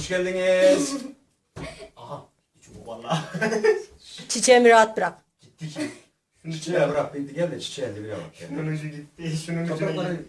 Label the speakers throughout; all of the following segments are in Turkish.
Speaker 1: Hoş geldiniz. Aha. Çubuk valla.
Speaker 2: Çiçeğimi rahat bırak.
Speaker 1: Gitti ki. Şunu çiçeğe bırak. Bitti gel de çiçeğe elde bir bak.
Speaker 3: Şunun ucu gitti. Şunun ucu
Speaker 1: Toprakları
Speaker 3: gitti.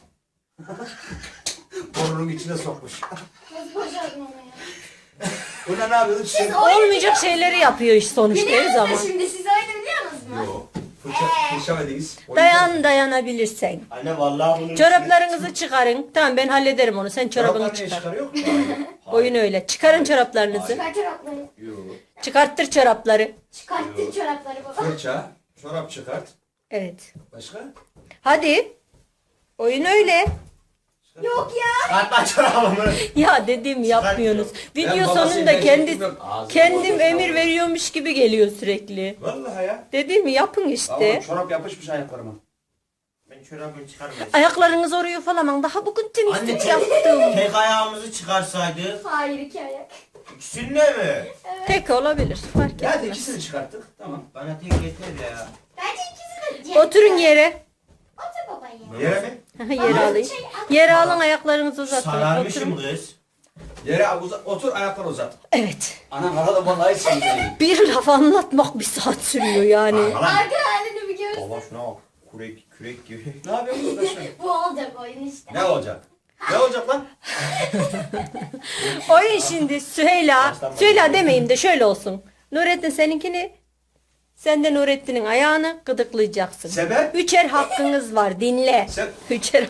Speaker 1: burnunun içine sokmuş.
Speaker 4: Nasıl başardın onu ya?
Speaker 1: Buna ne yapıyorsun? Çiçek.
Speaker 2: Olmayacak şeyleri yapıyor iş sonuçta her
Speaker 4: Biliyor
Speaker 2: zaman.
Speaker 4: musun şimdi? Siz oyunu biliyor musunuz?
Speaker 1: Yok. Fırça verdiniz.
Speaker 2: Dayanabilirsen.
Speaker 3: Anne vallahi bunu...
Speaker 2: Çoraplarınızı çıkarın. Tamam ben hallederim onu. Sen çorabını
Speaker 1: Çoraplar niye
Speaker 2: çıkar.
Speaker 1: çıkarıyor?
Speaker 2: Oyun öyle. Çıkarın çoraplarınızı.
Speaker 4: Çıkar çorapları.
Speaker 1: Yok.
Speaker 2: Çıkarttır çorapları.
Speaker 4: Çıkarttın çorapları baba.
Speaker 1: Fırça. Çorap çıkart.
Speaker 2: Evet.
Speaker 1: Başka?
Speaker 2: Hadi. Oyun öyle.
Speaker 4: Yok ya.
Speaker 3: Atma çorabımı.
Speaker 2: Ya dediğimi yapmıyorsunuz. Video
Speaker 1: Ben babasıyım,
Speaker 2: sonunda
Speaker 1: ben çektim yok. Ağzını
Speaker 2: kendim
Speaker 1: boş
Speaker 2: emir
Speaker 1: ver.
Speaker 2: veriyormuş gibi geliyor sürekli.
Speaker 1: Vallahi ya.
Speaker 2: Dediğimi yapın
Speaker 1: Ama
Speaker 2: işte.
Speaker 1: çorap yapışmış ayaklarıma.
Speaker 3: Ben çorabımı çıkarmayacağım.
Speaker 2: Ayaklarınız oraya falan. Daha bugün temizlik
Speaker 3: Anne
Speaker 2: yaptım.
Speaker 3: tek ayağımızı çıkarsaydı.
Speaker 4: Hayır, iki ayak.
Speaker 3: İkisinde mi?
Speaker 2: Tek olabilir. Fark
Speaker 1: Ya hadi
Speaker 2: etmez.
Speaker 1: ikisini çıkarttık. Tamam.
Speaker 3: Bana tek yeter ya.
Speaker 4: Bence ikisi de
Speaker 2: Oturun yere.
Speaker 4: Otur baba ya.
Speaker 1: Yere mi?
Speaker 2: Yere alayım. Yere alın ayaklarınızı uzatın.
Speaker 3: Sararmışım
Speaker 2: Oturun.
Speaker 3: kız.
Speaker 1: Yere otur ayakları uzat.
Speaker 2: Evet.
Speaker 1: Anam arada vallahi sen
Speaker 2: Bir laf anlatmak bir saat sürüyor yani.
Speaker 4: Arka halini bir görsün.
Speaker 3: Baba şuna bak. Kürek gibi.
Speaker 1: Ne yapıyorsun arkadaşlar?
Speaker 4: Bu olacak oyun işte.
Speaker 1: Ne olacak? Ne olacak lan?
Speaker 2: Oyun şimdi Süheyla. Süheyla demeyeyim de şöyle olsun. Nurettin seninkini, sen de Nurettin'in ayağını gıdıklayacaksın.
Speaker 1: Sebep?
Speaker 2: Üçer hakkınız var dinle. Üçer.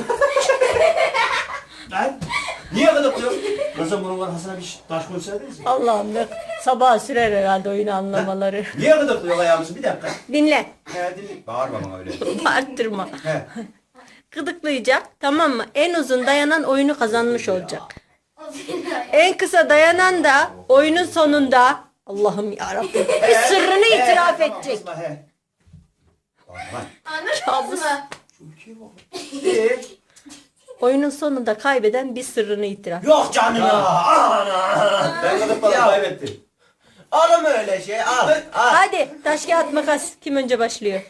Speaker 1: Lan niye gıdıklıyorsun? Kızım bunun arkasına bir taş koysaydınız ya.
Speaker 2: Allah'ım ne sabaha sürer herhalde oyunu anlamaları.
Speaker 1: Niye gıdıklıyor ayağımızı? Bir dakika.
Speaker 2: Dinle.
Speaker 1: He dinle. Bağırma bana öyle.
Speaker 2: Arttırma.
Speaker 1: He.
Speaker 2: Gıdıklayacak tamam mı? En uzun dayanan oyunu kazanmış olacak.
Speaker 4: O senin ayak.
Speaker 2: En kısa dayanan da oyunun sonunda Allah'ım yarabbim bir sırrını itiraf
Speaker 1: Tamam,
Speaker 2: edecek.
Speaker 1: kızma, he. Aman.
Speaker 4: Anladınız mı?
Speaker 2: Oyunun sonunda kaybeden bir sırrını itiraf.
Speaker 3: Yok canım ya. Ana.
Speaker 1: Ben gıdıkladım
Speaker 3: Ya.
Speaker 1: kaybettim.
Speaker 3: Alım öyle şey. Al. Al.
Speaker 2: Hadi taş kağıt makas kim önce başlıyor?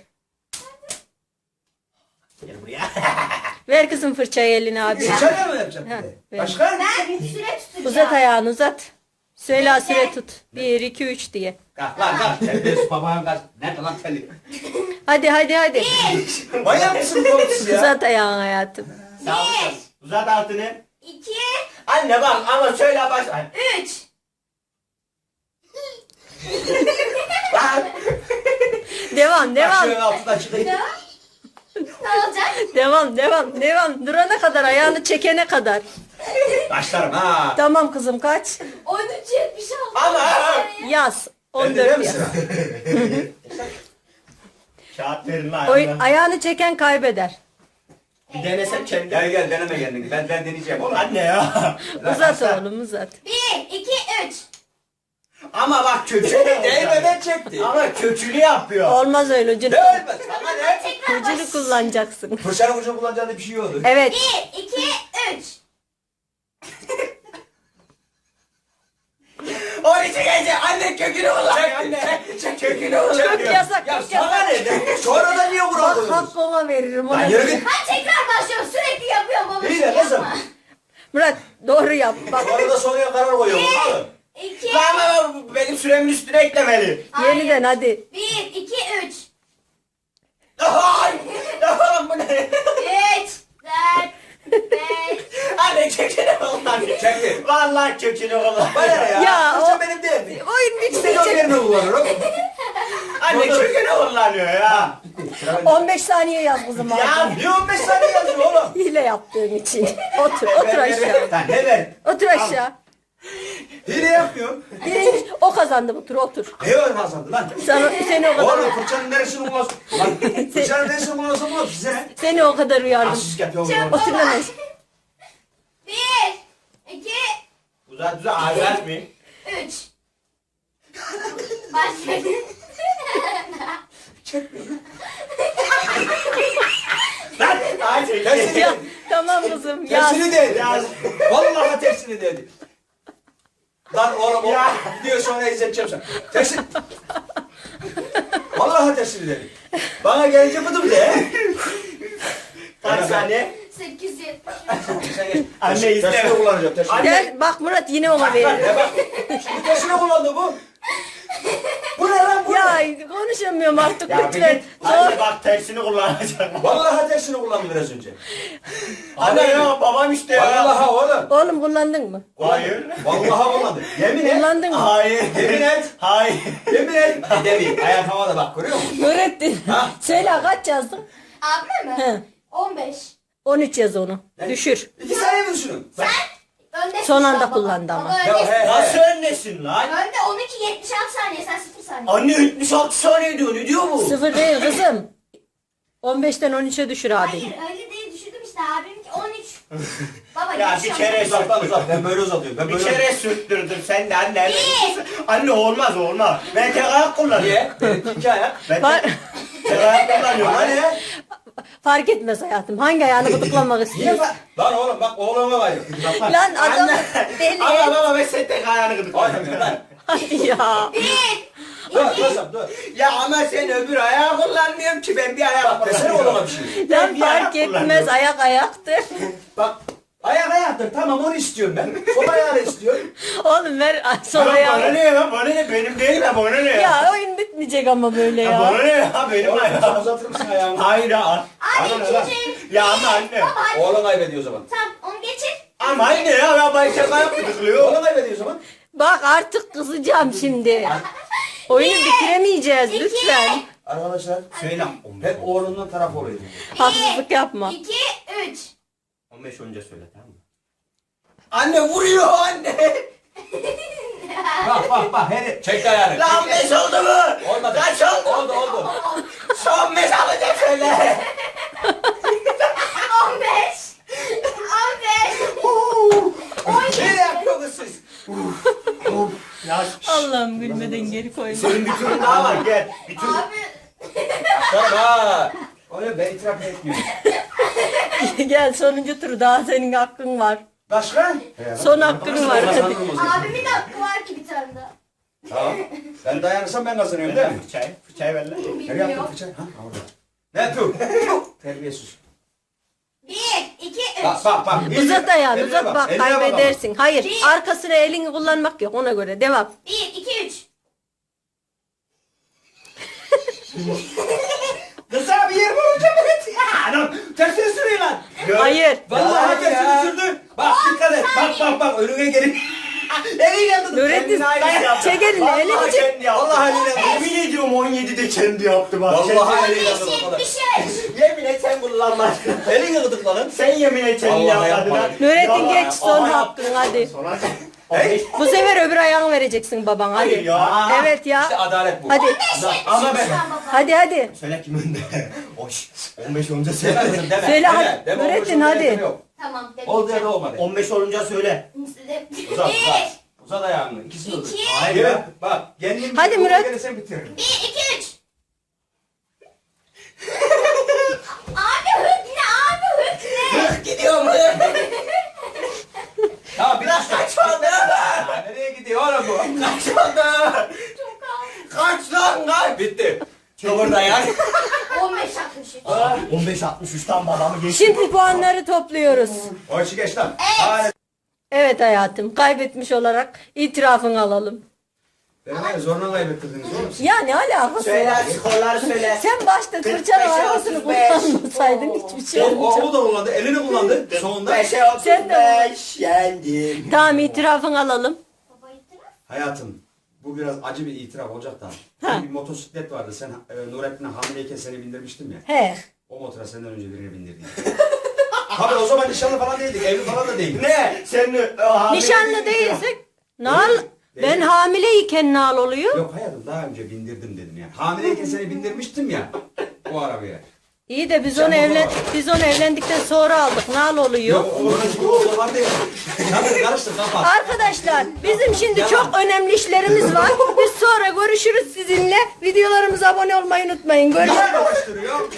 Speaker 3: Gel buraya.
Speaker 2: Ver kızım fırçayı eline abi.
Speaker 1: Sıçar mı yapacak bir
Speaker 2: Ha,
Speaker 1: de?
Speaker 2: ver.
Speaker 1: Başka?
Speaker 4: Ben süre tutacağım.
Speaker 2: Uzat ayağını uzat. Söyle süre tut. 1, 2, 3 diye.
Speaker 1: Kalk lan kalk. Terbiyesiz babanın kalk. Nerede lan telli?
Speaker 2: Hadi.
Speaker 1: Manyak mısın oğlum siz ya?
Speaker 2: Uzat ayağını hayatım.
Speaker 3: Sağ ol. Uzat altını.
Speaker 4: 2,
Speaker 3: Anne bak ama şöyle baş. Ay.
Speaker 4: 3.
Speaker 2: Devam.
Speaker 1: Başlığın altından çıkayım.
Speaker 4: Ne olacak?
Speaker 2: Devam. Durana kadar ayağını çekene kadar.
Speaker 1: Başlarım ha.
Speaker 2: Tamam kızım kaç?
Speaker 4: 13.76.
Speaker 3: Ama.
Speaker 2: Yaz.
Speaker 1: Ben de değil
Speaker 2: 14
Speaker 1: mi
Speaker 2: yaz.
Speaker 1: sıra?
Speaker 3: Kağıt verin lan.
Speaker 2: Ayağını çeken kaybeder.
Speaker 3: Bir denesem kendim.
Speaker 1: Gel deneme kendini. Ben deneyeceğim oğlum.
Speaker 3: Anne ya.
Speaker 2: Uzat oğlum uzat.
Speaker 4: 1, 2, 3.
Speaker 3: Ama bak kökünü
Speaker 1: Değmeden çekti.
Speaker 3: Ama kökünü yapıyor.
Speaker 2: Olmaz öyle ucunu.
Speaker 1: Ne ölmez?
Speaker 3: Ama ne?
Speaker 4: Tekrar
Speaker 2: Ucunu kullanacaksın.
Speaker 1: Fırçanın ucunu kullanacağında bir şey olur.
Speaker 2: Evet.
Speaker 4: 1, 2, 3.
Speaker 3: 12 gece anne kökünü kullanıyor anne. Kökünü kullanıyor.
Speaker 2: Çok yasak.
Speaker 1: Ya
Speaker 2: Çok
Speaker 1: sana
Speaker 2: yasak.
Speaker 1: ne? Sonra da niye
Speaker 2: Bak
Speaker 1: vuramıyorsun?
Speaker 2: hakkı ona veririm. Ona
Speaker 1: Lan yürü git.
Speaker 4: Ben tekrar başlıyorum. Sürekli yapıyorum baba.
Speaker 1: İyi de kızım.
Speaker 2: Murat doğru yap. Bak
Speaker 1: Sonra da soruya karar koyuyorum. Alın.
Speaker 4: 2,
Speaker 3: Ama benim süremin üstüne eklemeli.
Speaker 2: yeniden hadi.
Speaker 4: 1, 2, 3.
Speaker 3: Ay! Tamam bu ne?
Speaker 4: 3, 4, 5.
Speaker 3: Anne kökünü kullanıyor.
Speaker 1: Çekti.
Speaker 3: Vallahi kökünü kullanıyor.
Speaker 1: Bana ne ya?
Speaker 2: Ya,
Speaker 1: Fırça
Speaker 2: o-
Speaker 1: benim değil mi?
Speaker 2: Oyun
Speaker 1: İstediğim
Speaker 2: bitmeyecek.
Speaker 1: yerine kullanırım.
Speaker 3: Anne kökünü kullanıyor ya.
Speaker 1: Sıra bende.
Speaker 2: 15 saniye yaz kızım
Speaker 3: Ya
Speaker 2: abi.
Speaker 1: Niye 15 saniye yazıyor oğlum?
Speaker 2: Hile yaptığın için. Otur aşağı.
Speaker 1: Lan ne ver?
Speaker 2: Otur aşağı.
Speaker 1: Hile yapmıyorum.
Speaker 2: Birinci o kazandı otur.
Speaker 1: Ne var kazandı lan?
Speaker 2: Seni o kadar
Speaker 1: Oğlum fırçanın neresini kullanıyorsun? Lan fırçanın neresini kullanıyorsun oğlum size?
Speaker 2: seni o kadar uyardım.
Speaker 1: Asist yapıyorum.
Speaker 4: Çok-
Speaker 2: Otur lan aşağı.
Speaker 4: 1, 2,
Speaker 3: Uzat ağzı mı?
Speaker 4: 3. Başladı.
Speaker 3: Lan! Ay
Speaker 1: Tersini
Speaker 3: çekti.
Speaker 2: Ya,
Speaker 1: dedi.
Speaker 2: tamam kızım yaz.
Speaker 1: Tersini dedi.
Speaker 3: Yaz.
Speaker 1: Vallahi tersini dedi. Lan oğlum o
Speaker 2: Ya.
Speaker 1: video sonra izleteceğim sana. Tersini. Vallahi tersini dedi. Bana gelince bıdım de.
Speaker 3: Kaç saniye?
Speaker 4: 870.
Speaker 1: Sen geç.
Speaker 3: Anne
Speaker 1: Tersine
Speaker 3: isteme.
Speaker 1: kullanacağım. Tersine.
Speaker 2: Gel bak Murat yine ona verir.
Speaker 1: Ya bak. Şimdi tersine kullandı bu. Bu ne lan bu?
Speaker 2: Ya konuşamıyorum artık
Speaker 3: Ya bir
Speaker 2: lütfen.
Speaker 3: git. Anne bak tersini kullanacak.
Speaker 1: Vallahi tersini kullandı biraz önce.
Speaker 3: Anne ya babam işte ya.
Speaker 1: Vallahi oğlum.
Speaker 2: Oğlum kullandın mı?
Speaker 3: Hayır.
Speaker 1: Vallahi kullandı. Yemin et.
Speaker 2: Kullandın mı?
Speaker 3: Hayır.
Speaker 1: Yemin et.
Speaker 3: Hayır.
Speaker 1: Yemin et. Demeyeyim. Ayak havada bak görüyor musun?
Speaker 2: Nurettin.
Speaker 1: Ha?
Speaker 2: Söyle kaç yazdın?
Speaker 4: Abime
Speaker 2: He.
Speaker 4: mi? 15.
Speaker 2: 13 yaz onu. Düşür.
Speaker 1: 2 saniye mi düşünün?
Speaker 4: Sen öndesin.
Speaker 2: Son
Speaker 4: şu an
Speaker 2: anda
Speaker 4: baba.
Speaker 2: kullandı ama.
Speaker 4: Baba
Speaker 1: Ya
Speaker 4: öndesin.
Speaker 1: he.
Speaker 3: Nasıl önlesin lan?
Speaker 4: Önde 12 76 saniye sen 0 saniye.
Speaker 3: Anne 76 saniye diyor. Ne diyor bu?
Speaker 2: 0 değil kızım. 15'ten 13'e düşür abi.
Speaker 4: Hayır öyle değil düşürdüm işte abiminki 13. Baba
Speaker 3: Ya
Speaker 4: geç
Speaker 3: bir
Speaker 4: şu an.
Speaker 3: kere
Speaker 1: Uzaktan uzak. Ben böyle uzatıyorum. Ben
Speaker 3: Bir
Speaker 1: böyle
Speaker 3: kere sürttürdüm sen de anne.
Speaker 4: Bir.
Speaker 3: Anne olmaz olmaz. Ben tek ayak kullanıyorum.
Speaker 1: Niye? Benim 2 ayak.
Speaker 3: Ben
Speaker 2: Var-
Speaker 3: tek ayak kullanıyorum.
Speaker 1: Bana
Speaker 3: Anne.
Speaker 1: ne?
Speaker 2: Fark etmez hayatım. Hangi ayağını gıdıklamak
Speaker 1: Niye
Speaker 2: istiyorsun?
Speaker 1: Lan oğlum bak oğluma var. Bak bak.
Speaker 2: Lan adam
Speaker 3: Anne.
Speaker 2: deli.
Speaker 3: Ama baba ben sen tek ayağını
Speaker 1: Oynamıyor
Speaker 3: gıdıklıyorum.
Speaker 1: lan.
Speaker 2: Hadi ya.
Speaker 1: Dur kızım dur.
Speaker 3: Ya ama sen öbür ayağı kullanmıyorum ki ben bir ayak
Speaker 1: Bak desene
Speaker 3: kullanıyorum.
Speaker 1: oğluma bir şey.
Speaker 2: Lan
Speaker 3: bir ayak
Speaker 2: fark etmez.
Speaker 3: kullanıyorum.
Speaker 2: Ayak ayaktır.
Speaker 1: Bak ayak ayaktır tamam onu istiyorum ben. Sol ayağını istiyorum.
Speaker 2: Oğlum ver sol
Speaker 3: Bana
Speaker 2: ayağı.
Speaker 3: ne ya? Bana ne? Benim değil ya bana ne ya?
Speaker 2: Ya oyun bitmeyecek ama böyle
Speaker 3: Ya
Speaker 2: ya.
Speaker 3: bana ne ya? Benim
Speaker 1: Oğlum sen
Speaker 3: ayağım.
Speaker 1: uzatır mısın ayağını?
Speaker 3: Hayır ya.
Speaker 4: Abi
Speaker 1: Bana ne lan?
Speaker 4: ikinci.
Speaker 3: Ya ama anne.
Speaker 4: Baba hadi.
Speaker 1: Oğlum kaybediyor o zaman.
Speaker 4: Tamam onu geçir.
Speaker 3: Ama anne ya ben tek ayak gıdıklıyor.
Speaker 1: Oğlum kaybediyor o zaman.
Speaker 2: Bak artık kızacağım şimdi. Oyunu bitiremeyeceğiz
Speaker 4: İki.
Speaker 2: lütfen.
Speaker 1: Arkadaşlar
Speaker 3: Söyle.
Speaker 1: hep oğlundan taraf oluyor.
Speaker 2: Haksızlık yapma.
Speaker 4: 2 3.
Speaker 3: 15 önce söyle tamam mı? Anne vuruyor anne.
Speaker 1: Bak her çek ayağını.
Speaker 3: Lan 5 oldu mu?
Speaker 1: Olmadı.
Speaker 3: Kaç oldu?
Speaker 1: Oldu.
Speaker 3: Son 5 alacak söyle.
Speaker 4: 15. 15.
Speaker 3: Ne yapıyorsunuz siz? Ya
Speaker 2: Allah'ım gülmeden geri koyma.
Speaker 3: senin bir turun daha var gel. Bir tur.
Speaker 4: Abi.
Speaker 1: Tamam ha. Oğlum ben itiraf etmiyorum.
Speaker 2: Gel sonuncu tur daha senin hakkın var.
Speaker 1: Başka?
Speaker 2: Son hakkın var. Hadi.
Speaker 4: Abimin de hakkı var ki bir tane daha.
Speaker 1: Tamam. Ben dayanırsam ben kazanıyorum değil mi?
Speaker 3: Fıçayı ver lan.
Speaker 1: Nereye
Speaker 4: Bilmiyorum.
Speaker 1: yaptın fıçağı? Ha orada. Ne yapıyorsun? Terbiyesiz.
Speaker 4: 1 2 3.
Speaker 1: Bak.
Speaker 2: Uzat ayağını
Speaker 1: Eline
Speaker 2: uzat bak
Speaker 1: eline bak ama.
Speaker 2: kaybedersin. Hayır
Speaker 4: Bir.
Speaker 2: arkasına elini kullanmak yok ona göre devam.
Speaker 4: 1 2 3.
Speaker 1: Kız abi yer vurunca evet. Anam tersine sürüyor lan.
Speaker 2: Hayır.
Speaker 1: Vallahi
Speaker 3: Ya.
Speaker 1: tersine sürdü. Bak dikkat et. Bak önüne gelin. Eliyle tutun.
Speaker 2: Nurettin
Speaker 3: Kendini aynı yaptı.
Speaker 2: çek elini
Speaker 3: Vallahi
Speaker 2: elini çek.
Speaker 3: kendi yaptı.
Speaker 1: Vallahi eliyle.
Speaker 3: Yemin ediyorum 17'de kendi yaptı bak.
Speaker 1: Vallahi
Speaker 3: Kendi-
Speaker 1: eliyle
Speaker 4: 5
Speaker 1: tutun. o kadar.
Speaker 4: 73.
Speaker 3: Yemin et sen kullanmaz.
Speaker 1: Elini gıdıkla lan.
Speaker 3: Sen yemin et kendi
Speaker 1: Vallahi
Speaker 3: yapmadın.
Speaker 1: yapmadım.
Speaker 2: Nurettin
Speaker 3: Vallahi-
Speaker 2: geç son
Speaker 3: Aha,
Speaker 2: hakkın hadi.
Speaker 3: Sonra
Speaker 1: Hey.
Speaker 2: Bu sefer öbür ayağını vereceksin baban
Speaker 3: Hayır
Speaker 2: hadi.
Speaker 3: ya.
Speaker 2: Evet ya.
Speaker 1: İşte adalet bu.
Speaker 2: Hadi.
Speaker 3: Ama ben...
Speaker 2: Hadi hadi.
Speaker 3: Söyle kim önde? Oş. 15 olunca
Speaker 1: Deme
Speaker 3: söyle.
Speaker 1: kızım deme.
Speaker 2: Söyle
Speaker 1: Deme.
Speaker 2: hadi.
Speaker 1: Deme,
Speaker 2: Nurettin,
Speaker 1: olmuş,
Speaker 2: hadi.
Speaker 1: olmuş, yok.
Speaker 4: Tamam.
Speaker 1: Oldu ya da olmadı.
Speaker 3: 15 olunca söyle.
Speaker 1: Uzat.
Speaker 4: 1
Speaker 1: Uzat ayağını. İkisini uzat.
Speaker 4: İki.
Speaker 1: Hayır
Speaker 3: Evet.
Speaker 1: ya. Bak. Kendin
Speaker 2: Hadi Murat.
Speaker 1: Sen bitiririm.
Speaker 4: 1 2 3. Abi hık ne? Abi hık ne?
Speaker 3: Gidiyor mu?
Speaker 1: Tamam
Speaker 3: Biraz kaç oldu?
Speaker 1: Nereye gidiyor oğlum bu?
Speaker 3: Kaç oldu?
Speaker 4: Çok az.
Speaker 3: Kaç lan kaç?
Speaker 1: Bitti.
Speaker 3: Burada ya.
Speaker 4: 15 63.
Speaker 3: 15-63'ten babamı geçti.
Speaker 2: Şimdi puanları topluyoruz.
Speaker 1: O işi geç lan.
Speaker 4: Evet.
Speaker 1: Hadi.
Speaker 2: Evet hayatım kaybetmiş olarak itirafını alalım.
Speaker 1: Beni var ya zorla kaybettirdiniz oğlum.
Speaker 2: Ya ne alakası
Speaker 3: Söyle
Speaker 2: var?
Speaker 3: skorları söyle.
Speaker 2: Sen başta
Speaker 3: 45'e
Speaker 2: fırçanın arasını
Speaker 3: 35.
Speaker 2: kullanmasaydın hiçbir şey
Speaker 1: O
Speaker 2: olmayacak.
Speaker 1: da kullandı. Elini kullandı. Sonunda.
Speaker 3: 5'e
Speaker 2: Sen de
Speaker 3: 35 yendim.
Speaker 2: Tamam itirafını alalım.
Speaker 4: Baba itiraf.
Speaker 1: Hayatım. Bu biraz acı bir itiraf olacak da.
Speaker 2: Ha.
Speaker 1: Bir motosiklet vardı. Sen Nurettin'e hamileyken seni bindirmiştim ya.
Speaker 2: He.
Speaker 1: O motora senden önce birini bindirdin. Tabii o zaman nişanlı falan değildik. Evli falan da değildik.
Speaker 3: Ne? Sen
Speaker 2: Nişanlı değilsek nal ben hamileyken nal oluyor.
Speaker 1: Yok hayatım daha önce bindirdim dedim ya. Hamileyken seni bindirmiştim ya. O arabaya.
Speaker 2: İyi de biz onu evlendikten sonra aldık. Nal oluyor.
Speaker 1: Yok onların gibi olsa var değil. Tabii karıştır kapat.
Speaker 2: Arkadaşlar bizim şimdi çok önemli işlerimiz var. Biz sonra görüşürüz sizinle. Videolarımıza abone olmayı unutmayın. Görüşürüz.
Speaker 1: Karıştırıyor.